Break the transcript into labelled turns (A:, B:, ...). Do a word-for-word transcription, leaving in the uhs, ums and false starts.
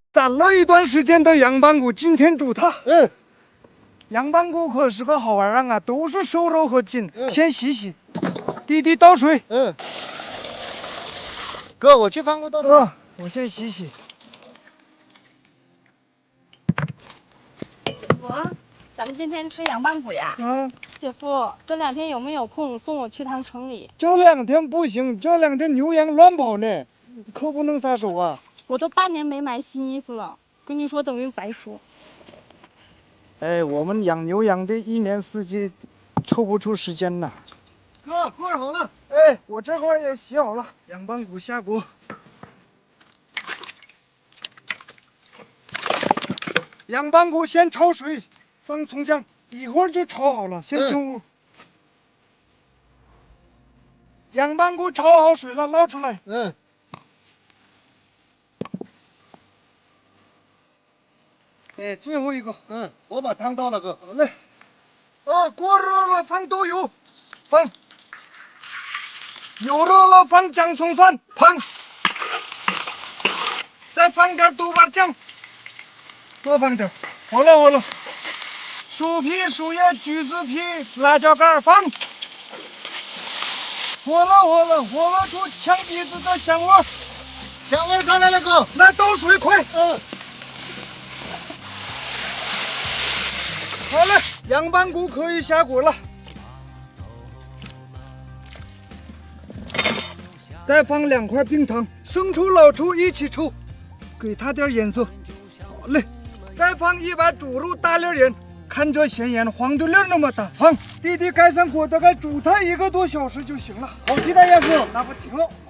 A: 攒了一段时间的羊板骨，今天煮它。
B: 嗯，
A: 羊板骨可是个好玩意儿啊，都是瘦肉和筋。
B: 嗯，
A: 先洗洗。弟弟倒水。
B: 嗯。哥，我去放个倒水。
A: 嗯，我先洗洗。
C: 姐夫，咱们今天吃羊板骨呀？
A: 啊。
C: 姐夫，这两天有没有空送我去趟城里？
A: 这两天不行，这两天牛羊乱跑呢，可不能撒手啊。
C: 我都半年没买新衣服了，跟你说等于白说。
A: 哎，我们养牛羊的一年四季抽不出时间呐。
B: 哥，锅好了。
A: 哎，我这块也洗好了，羊板骨下锅。羊板骨先焯水，放葱姜，一会儿就炒好了，先进屋。嗯、羊板骨焯好水了，捞出来。
B: 嗯。
A: 哎，最后一个。
B: 嗯，我把汤倒了，哥。
A: 好嘞。哦，锅热了，放豆油，放。油热了，放姜葱蒜，放。再放点豆瓣酱，多放点。好了好了。薯皮、树叶、橘子皮、辣椒干放。火了火了，火了出呛鼻子的香味。
B: 香味上来了，哥。
A: 来倒水，快。
B: 嗯。
A: 好了，羊板骨可以下锅了。再放两块冰糖，生抽、老抽一起抽，给它点颜色。好嘞，再放一碗猪肉大粒盐，看这咸盐黄豆粒那么大，放。弟弟盖上锅，大概煮它一个多小时就行了。
B: 好期待呀，哥。
A: 那不挺好。